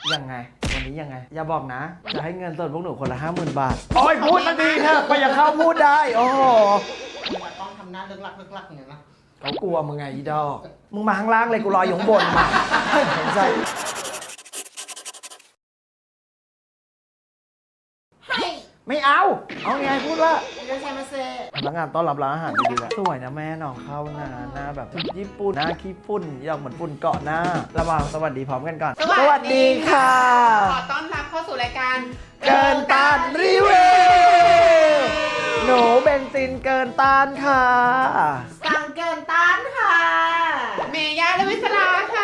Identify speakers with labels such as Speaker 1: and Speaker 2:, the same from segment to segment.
Speaker 1: ยังไงวันนี้ยังไงอย่าบอกนะจะให้เงินสดพวกหนูคนละ50,000 บาทโอ้ยพูดมาดีเถอะไปอย่าเข้าพูดได้โอ้โห
Speaker 2: ต้องทำหน้าเลิกลักอย่างนั้นนะ
Speaker 1: เขากลัวมึงไงอีดอกมึงมาข้างล่างเลยกูรออยู่ข้างบนมาสนใจ ไม่เอาไงพูดว่า
Speaker 2: เรื่องใช่มาเซ่
Speaker 1: พนักงานต้อนรับร้านอาหารดีๆแหละสวยนะแม่น้องเข้านะหน้าแบบญี่ปุ่นหน้าขี้ฝุ่นอยากเหมือนฝุ่นเกาะหน้าระหว่างสวัสดีพร้อมกันก่อนสวัสดีค่ะ
Speaker 3: ขอต้อนรับเข้าสู่รายการ
Speaker 1: เกินต้านรีวิวหนูเบนซินเกินต้านค่ะ
Speaker 2: สั่งเกินต้านค่ะ
Speaker 3: เมย่าและวิศราค่ะ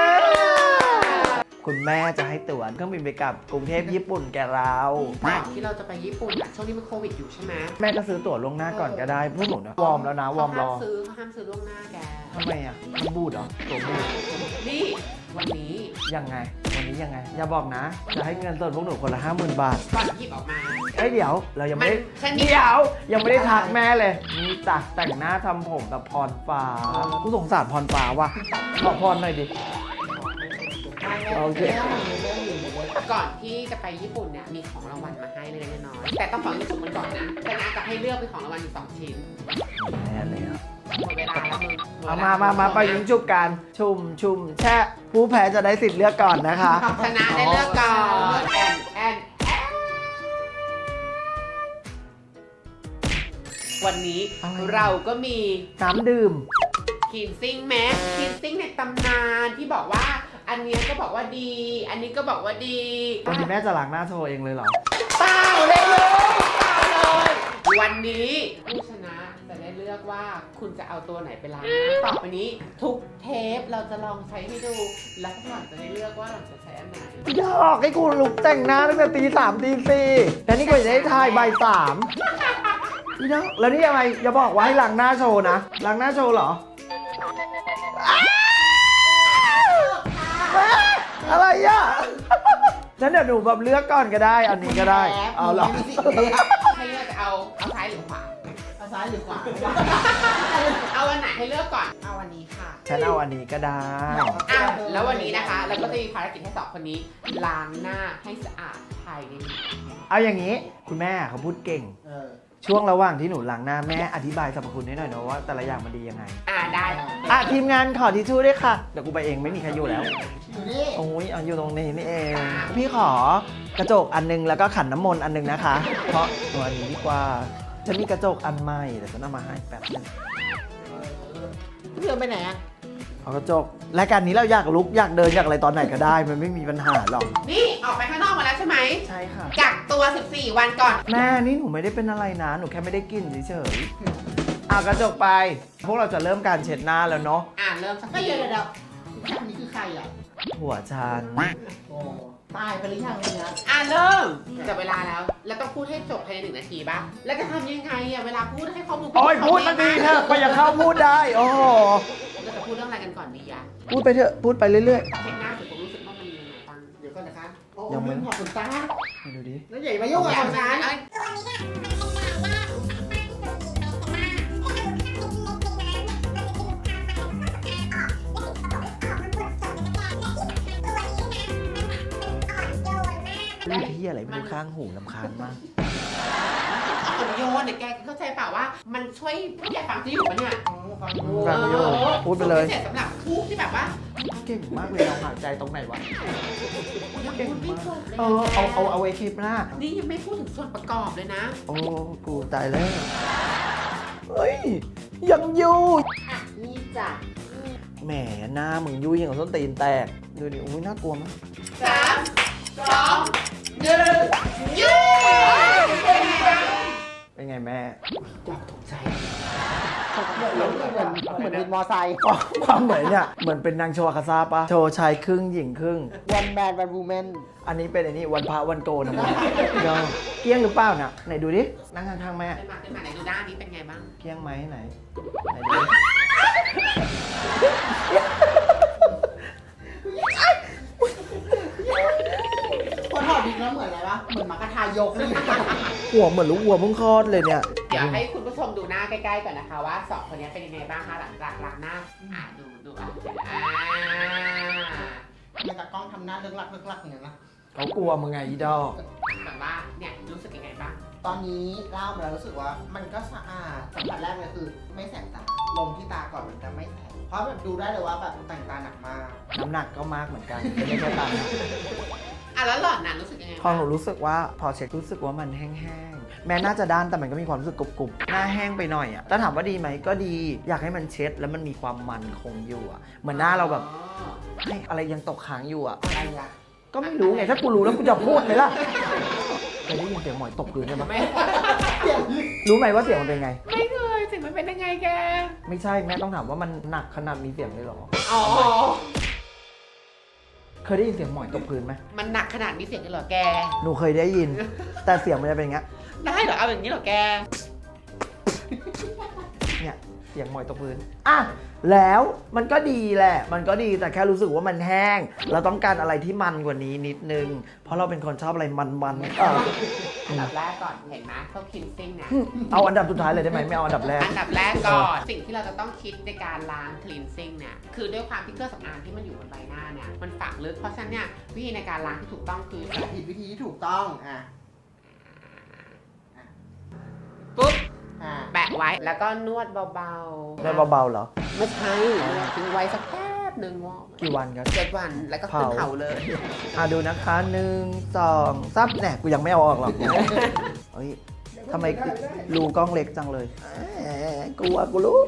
Speaker 1: คุณแม่จะให้ตั๋วเครื่องบินไปกลับกรุงเทพญี่ปุ่นแกเรา
Speaker 3: ก่อนที่เราจะไปญี่ปุ่นอะช่วงนี้มันโควิดอยู่ใช่ไหม
Speaker 1: แม่ก็ซื้อตั๋วล่วงหน้าก่อนก็ได้พวกหนูนะวอร์มแล้วนะวอร์มรอ
Speaker 3: เขาห้ามซื้อล่วงหน้าแก
Speaker 1: ทำไมอ่ะมันบูดเหรอตั๋วบูด
Speaker 3: นี่วันนี้
Speaker 1: ยังไงวันนี้ยังไงอย่าบอกนะจะให้เงินสดพวกหนูคนละ50,000 บาท
Speaker 3: ก่อนหยิบออกมา
Speaker 1: เอ้ยเดี๋ยวเรายังไม่ได้
Speaker 3: ฉันมี
Speaker 1: เดี๋ยวยังไม่ได้ทักแม่เลยนี่จัดแต่งหน้าทำผมกับพรฟ้ากูสงสารพรฟ้าว่ะขอพรหน่อยดิ โอเค
Speaker 3: ก่อนที่จะไปญี่ปุ่นเนี่ยมีของรางวัลมาให้เล็กๆน้อยๆแต่ต้องขอญี่ปุ่นมันก่อนนะแต่นาจะให้เลือกเป็นของรางวัลอยู่2 ชิ้น
Speaker 1: แน่เลยอ่ะ
Speaker 3: หมดเวลาแล้วมึง
Speaker 1: เอามาไปยิงจุบกันชุ่มแช่ผู้แพ้จะได้สิทธิ์เลือกก่อนนะคะ
Speaker 3: ชนะได้เลือกก่อนแอนวันนี้เราก็มี
Speaker 1: น้ำดื่ม
Speaker 3: คินซิ่งแมสคินซิ่งในตำนานที่บอกว่าอันเนี้ยก็บอกว่าดี อันนี้ก็บอกว่าดี
Speaker 1: วันนี้แม่จะล้างหน้าโชว์เองเลยเหรอ
Speaker 3: เปล่าเลยเปล่าเลยวันนี้ผู้ชนะจะได้เลือกว่าคุณจะเอาตัวไหนไปล้างหน้าต่อไปนี้ ทุกเทปเราจะลองใช้ให้ดูแล้วหลังจะได้เลือกว่าเราจะใช้อันไหน
Speaker 1: อยากให้กูลุกแต่งหน้าตั้งแต่ตี 3ตี 4แต่นี่ก็จะได้ถ่ายบ่าย 3อีดอกแล้วนี่ยังไงอย่าบอกว่าให้ล้างหน้าโชว์นะล้างหน้าโชว์เหรออะไรอ่ะฉันเดี๋ยวหนูแบบเลือกก่อนก็ได้ อันนี้ก็ได้ เอาเหรอ
Speaker 3: ให้เลือกจะเอาซ้ายหรือขวา
Speaker 2: เอาซ้ายหรือขวา
Speaker 3: เอาอันไหนให้เลือกก่อนเอาอันนี้ค่ะ
Speaker 1: ฉันเอาอันนี้ก็ได้
Speaker 3: อ่ะแล้ววันนี้นะคะเราก็จะมีภารกิจให้2 คนนี้ล้างหน้าให้สะอาดภายใน1 นาที
Speaker 1: เอาอย่างนี้คุณแม่เขาพูดเก่ง ช่วงระหว่างที่หนูล้างหน้าแม่อธิบายสรรพคุณให้หน่อยนะว่าแต่ละอย่างมันดียังไง
Speaker 3: ได้
Speaker 1: ทีมงานขอทิชชู่ด้วยค่ะ เดี๋ยวกูไปเองไม่มีใครอยู่แล้ว
Speaker 2: อยู่นี่
Speaker 1: โอ้ยเอาอยู่ตรงนี้นี่เอง พี่ขอกระจกอันนึงแล้วก็ขันน้ำมนต์อันนึงนะคะ เพราะตัวอันนี้ดีกว่าฉันมีกระจกอันใหม่เดี๋ยวฉันเอามาให้แป๊บนึง
Speaker 2: เพื่อนไปไหนอ่ะ
Speaker 1: เอากระจกรายการนี้เราอยากลุกอยากเดินอยากอะไรตอนไหนก็ได้ มันไม่มีปัญหาหรอก
Speaker 3: นี่ออกไปข้างนอกมาแล้วใช่ไหม
Speaker 1: ใช่ค่ะ
Speaker 3: กักตัว14 วันก่อน
Speaker 1: แม่นี่หนูไม่ได้เป็นอะไรนะ หนูแค่ไม่ได้กินเฉยๆเอากระจกไป พวกเราจะเริ่มการเช็ดหน้าแล้วเนาะ
Speaker 3: เริ่มสัก
Speaker 2: ก็
Speaker 3: ที
Speaker 2: เดี๋ยวอันนี้คือใครอ่ะ
Speaker 1: หัวฉัน
Speaker 2: โอ้ตายไปหรือยังเนี่ย
Speaker 3: เริ่มจับเวลาแล้วแล้วต้องพูดให้จบภายใน1 นาทีป่ะแล้วจะทำยังไงเวลาพูดให้ข้อมูล
Speaker 1: โอ้ยพูดมาดีเถอะไปอย่าเข้าพูดได้ โอ้โห
Speaker 3: เราจะพูดเรื่องอะไรกันก่อนดีอะ
Speaker 1: พูดไปเถอะ พูดไปเรื่อย
Speaker 3: เช็คหน้าสุดผมรู้สึกว่ามันมียังไงบ้าง
Speaker 2: เดี๋ยวก่อนนะคะโอ้
Speaker 1: ยังไม่
Speaker 2: ลืมถอดขนตา
Speaker 1: ๆมาดูดิ
Speaker 2: แล้วใหญ่มายุ่งกับ
Speaker 3: อย่า
Speaker 2: ข
Speaker 3: ง
Speaker 2: นตา
Speaker 3: นั้น
Speaker 1: พูดที่อะไรไม่รู้ข้างหูลำคาญมาก
Speaker 3: อ่อนโยนเนี่ยแกเข้าใจเปล่าว่ามันช่วยแกฟังที่อยู่ปะเนี่ย
Speaker 2: ฟังดู
Speaker 1: ฟังอยู่ พูดไปเลย
Speaker 3: พิเศษสำหรับผู้ที่แบบว่า
Speaker 1: เก่งมากเลยเราหายใจตรงไหนวะ
Speaker 3: ยังพูดไม่จบเลย
Speaker 1: เอาไว้คลิปหน้า
Speaker 3: นี่ยังไม่พูดถึงส่วนประกอบเลยนะ
Speaker 1: โอ้ กูตายแล้ว เฮ้ย ยังยู่
Speaker 2: นี่จ้ะ
Speaker 1: แหมหน้ามึงยุ่ยอย่างกับส้นตีนแตก ดูดิ อุ้ยน่ากลัวมาก
Speaker 3: 3 2 1ยืด
Speaker 1: เป็นไงแม่
Speaker 2: เหมือนวินมอไซค์
Speaker 1: ความเหมือนเนี่ย เหมือนเป็นนางโชวาคาซาปะโชว์ชายครึ่งหญิงครึ่ง
Speaker 2: วันแมนวันวูแมน
Speaker 1: อันนี้เป็นอันนี้วันพระวันโกนนะมึงเดี๋ยวเกี้ยงหรือเปล่าน่ะ ไหนดูดิ นั่งข้างๆแม่
Speaker 3: เดินมาไหนดูด้านนี้เป็นไงบ้าง
Speaker 1: เกี้ยงไหมไหนไหนดูดิ
Speaker 2: พอถอดดิแล้วเหมือนอะไรวะ เหมือนหมากระทายกเลย
Speaker 1: หัวเหมือนลูกวัวเพิ่งคลอดเลยเนี่ย
Speaker 3: เดี๋ยวให้คุณผู้ชมดูหน้าใกล้ๆก่อนนะคะว่า2 คนนี้เป็นยังไงบ้างคะหลังจากล้างหน้าดู
Speaker 2: ทำไมตากล้องทำหน้าเลิกลักอย่างนั้นนะ
Speaker 1: เขากลัวมึงไงอีดอก
Speaker 3: แบบว่าเนี่ยรู้สึกยังไงบ้าง
Speaker 2: ตอนนี้เล่ามาแล้วรู้สึกว่ามันก็สะอาดสัมผัสแรกเลยคือไม่แสบตาลงที่ตาก่อนมันจะไม่แสบเพราะแบบดูได้เลยว่าแบบแต่งตาหนักมาก
Speaker 1: น้ำหนักก็มากเหมือนกันไม่ได้แค่ตามนะ
Speaker 3: อ่ะแล้วหล่อนน่ะรู้สึกยังไง
Speaker 1: พอหนูรู้สึกว่าพอเช็ครู้สึกว่ามันแห้งๆ แม้น่าจะด้านแต่มันก็มีความรู้สึกกรุบๆ หน้าแห้งไปหน่อยอะแต่ถามว่าดีไหมก็ดี อยากให้มันเช็ดแล้วมันมีความมันคงอยู่อะเหมือนหน้าเราแบบ
Speaker 3: อ๋อ
Speaker 1: ให้อะไรยังตกค้างอยู่อะ
Speaker 2: อะไรอะ
Speaker 1: ก็ไม่รู้ไงถ้ากูรู้แล้วกูจะพูดไหมล่ะเคยได้ยินเสียงหมอยตกพื้นใช่ไหม
Speaker 3: ไม่
Speaker 1: รู้ไหมว่าเสียงมันเป็นไง
Speaker 3: ไม่เคยสิมันเป็นยังไงแก
Speaker 1: ไม่ใช่แม่ต้องถามว่ามันหนักขนาดมีเสียงเลยเหรอ
Speaker 3: อ๋อ
Speaker 1: เคยได้ยินเสียงหมอยตกพื้นไหม
Speaker 3: มันหนักขนาดมีเสียงกันเหรอแก
Speaker 1: หนูเคยได้ยิน แต่เสียงมันจะเป็นอย่างเงี้ย
Speaker 3: ได้เหรอเอาอย่างนี้เหรอแก
Speaker 1: เนี่ยเสียงหมอยตกพื้นอ่ะแล้วมันก็ดีแหละ มันก็ดีแต่แค่รู้สึกว่ามันแห้ง เราต้องการอะไรที่มันกว่านี้นิดนึง เพราะเราเป็นคนชอบอะไรมันๆ
Speaker 3: อันดับแรกก่อนเห็นไหมเขาคินซิ่งเนี่ย
Speaker 1: เอาอันดับสุดท้ายเลยได้ไหมไม่เอาอันดับแรก
Speaker 3: อันดับแรกก่อน สิ่งที่เราจะต้องคิดในการล้างคลีนซิ่งเนี่ย คือด้วยความที่เครื่องสำอางที่มันอยู่บนใบหน้าเนี่ย มันฝังลึก เพราะฉะนั้นเนี่ยวิธีในการล้างที่ถูกต้องคือ
Speaker 2: ผิดวิธีที่ถูกต้องอ่ะ
Speaker 3: ปุ๊บ
Speaker 2: อ่ะ
Speaker 3: แปะไว้ แล้วก็นวดเบา
Speaker 1: ได้เบาๆเหรอ
Speaker 3: ไม่ใช่ทิ้งไว้สักแป๊บหนึ่งวอก
Speaker 1: กี่วันครับ
Speaker 3: 7 วัน แล้วก็ขึ้น
Speaker 1: เผา
Speaker 3: เผาเลย
Speaker 1: ดูนะคะ1 2 3เนี่ยกูยังไม่เอาออกหรอกเฮ้ยทำไมรูกล้องเล็กจังเลยกลัวกูรู้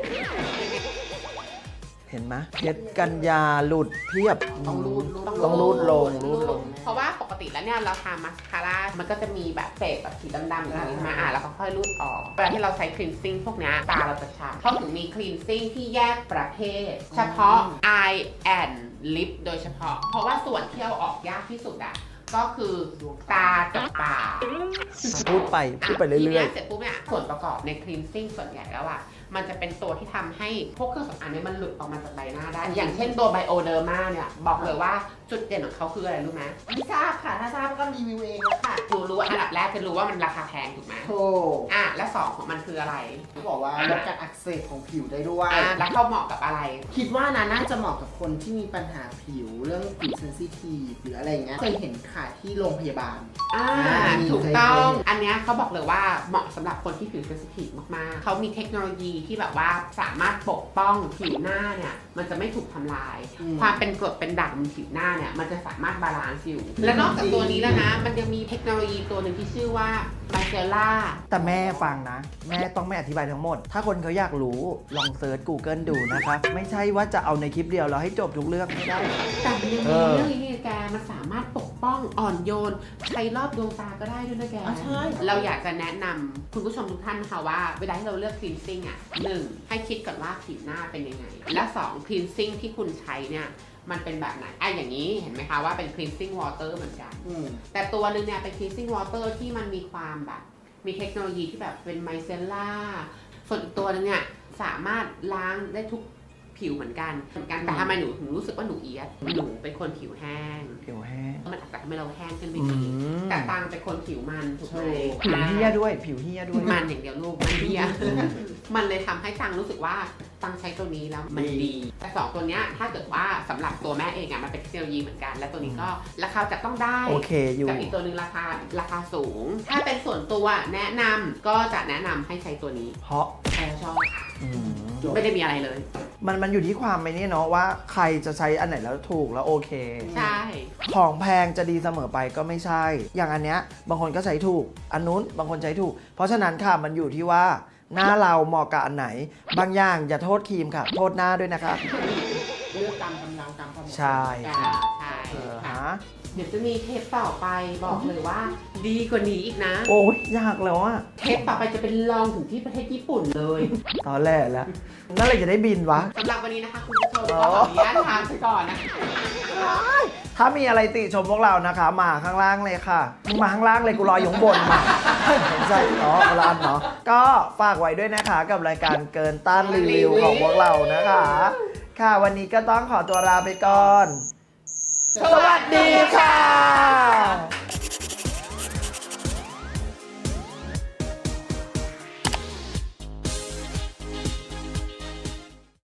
Speaker 1: เห็นไหมเพชรกันยาหลุดเพียบ
Speaker 2: ต้องรูด
Speaker 1: ต้องรูดลงรูดลง
Speaker 3: เพราะว่าปกติแล้วเนี่ยเราทามาสคาร่า มันก็จะมีแบบเศษแบบสีดำๆอย่างนี้มาแล้วก็ค่อยรูดออก เวลาที่เราใช้คลีนซิ่งพวกเนี้ยตาเราจะช้ำเขาถึงมีคลีนซิ่งที่แยกประเภท เฉพาะ eye and lip โดยเฉพาะ เพราะว่าส่วนที่เอาออกยากที่สุดอ่ะ ก็คือตากับปาก
Speaker 1: พูดไปเรื่
Speaker 3: ที
Speaker 1: อย
Speaker 3: เนี้ยเสร็จปุ๊บเนี่ยส่วนประกอบในคลีนซิ่งส่วนใหญ่แล้วอ่ะ มันจะเป็นตัวที่ทำให้พวกเครื่องสำอางเนี่ยมันหลุดออกมาจากใบหน้าได้ อย่างเช่นตัวไบโอเดอร์มาเนี่ย บอกเลยว่าจุดเด่นของเขาคืออะไรรู้ไหม
Speaker 2: ไม่ทราบค่ะถ้าทราบก็รีวิวเองแล้วค่ะ
Speaker 3: รู้ว่าอันดับแรกจะรู้ว่ามันราคาแพงถูกไหม
Speaker 2: โธ่
Speaker 3: และสองของมันคืออะไร
Speaker 2: เขาบอกว่าลดการอักเสบของผิวได้ด้วย
Speaker 3: แล้วเขาเหมาะกับอะไร
Speaker 2: คิดว่านะน่าจะเหมาะกับคนที่มีปัญหาผิวเรื่องผิวเซนซิทีฟหรืออะไรอย่างเงี้ยเคยเห็นค่ะที่โรงพยาบาล
Speaker 3: ถูกต้อง อันเนี้ยเขาบอกเลยว่าเหมาะสำหรับคนที่ผิวเซนซิทีฟมากๆ เขามีเทคโนโลยีที่แบบว่าสามารถปกป้องผิวหน้าเนี่ยมันจะไม่ถูกทำลาย
Speaker 2: อืม
Speaker 3: ความเป็นกรดเป็นด่างบนผิวหน้าเนี่ยมันจะสามารถบาลานซ์อยู่ และนอกจากตัวนี้แล้วนะ มันยังมีเทคโนโลยีตัวหนึ่งที่ชื่อว่าไมเซล่า
Speaker 1: แต่แม่ฟังนะ แม่ต้องไม่อธิบายทั้งหมด ถ้าคนเขาอยากรู้ลองเซิร์ช Google ดูนะคะไม่ใช่ว่าจะเอาในคลิปเดียวแล้วให้จบทุกเรื่องไม่ได้
Speaker 3: แต่มันยังมีเรื่องนี้แกมันสามารถปกป้องอ่อนโยนใช้รอบดวงตาก็ได้ด้วยนะแก
Speaker 2: อ๋อใช่
Speaker 3: เราอยากจะแนะนำคุณผู้ชมทุกท่านค่ะว่าเวลาที่เราเลือกคลีนซิ่งอ่ะ1ให้คิดก่อนว่าผิวหน้าเป็นยังไง และ2คลีนซิ่งที่คุณใช้เนี่ยมันเป็นแบบไหนอย่างนี้เห็นไหมคะว่าเป็น cleansing water เหมือนกัน
Speaker 2: อืม
Speaker 3: แต่ตัวนึงเนี่ยเป็น cleansing water ที่มันมีความแบบมีเทคโนโลยีที่แบบเป็นไมเซลล่าส่วนอีกตัวนึงเนี่ยสามารถล้างได้ทุกผิวเหมือนกันแต่ทำไมหนูถึงรู้สึกว่าหนูเอียดหนูเป็นคนผิวแห้ง
Speaker 1: ผิวแห้ง
Speaker 3: มันอาจจะทำให้เราแห้งขึ้นไป
Speaker 1: อื
Speaker 3: อีก
Speaker 1: ม
Speaker 3: แต่ตังเป็นคนผิวมันถูกไหม
Speaker 1: ผิวเหี้ยด้วย ผิวเหี้ยด้วย
Speaker 3: มันอย่างเดียวลูกมันเหี้ยมันเลยทำให้ตังรู้สึกว่าตังใช้ตัวนี้แล้วมันดี แต่สองตัวเนี้ยถ้าเกิดว่าสำหรับตัวแม่เองอะมันเป็นเทคโนโลยีเหมือนกัน และตัวนี้ก็ราคาจะต้องได้
Speaker 1: โอเคอยู่
Speaker 3: กับอีกตัวหนึ่งราคาสูง ถ้าเป็นส่วนตัวแนะนำก็จะแนะนำให้ใช้ตัวนี้
Speaker 1: เพราะ
Speaker 3: แต่ชอบ
Speaker 1: อืม
Speaker 3: ไม่ได้มีอะไรเลย
Speaker 1: มันอยู่ที่ความไม่นี่เนาะว่าใครจะใช้อันไหนแล้วถูกแล้วโอเค
Speaker 3: ใช่
Speaker 1: ของแพงจะดีเสมอไปก็ไม่ใช่ อย่างอันเนี้ยบางคนก็ใช้ถูก อันนู้นบางคนใช้ถูก เพราะฉะนั้นค่ะมันอยู่ที่ว่าหน้าเราเหมาะกับอันไหน บางอย่างอย่าโทษครีมค่ะ โทษหน้าด้วยนะคะ
Speaker 2: เลือกตามกำลังตามความเหมาะสม
Speaker 1: ใช่
Speaker 3: ใช่
Speaker 1: ฮะ
Speaker 3: เดี๋ยวจะมีเทปต่อไปบอกเลยว่า ดีกว่านี้อีกนะ
Speaker 1: โอ้ยยากแล้วอะ
Speaker 3: เทปต่อไปจะเป็นลองถึงที่ประเทศญี่ปุ่นเลย
Speaker 1: ตอนแรกแล้วนั่นเลยจะได้บินวะ
Speaker 3: สำหรับวันนี้นะคะคุณผู้ชมก็ขออนุญาตทานไปก่อนนะคะ
Speaker 1: ถ้ามีอะไรติชมพวกเรานะคะ มาข้างล่างเลยค่ะมึงมาข้างล่างเลยกูรออยู่ข้างบนมาไม่ใช่เนาะร้านเนาะก็ฝากไว้ด้วยนะคะกับรายการเกินต้านรีวิวของพวกเรานะคะ ค่ะวันนี้ก็ต้องขอตัวลาไปก่อน สวัสดีค่ะ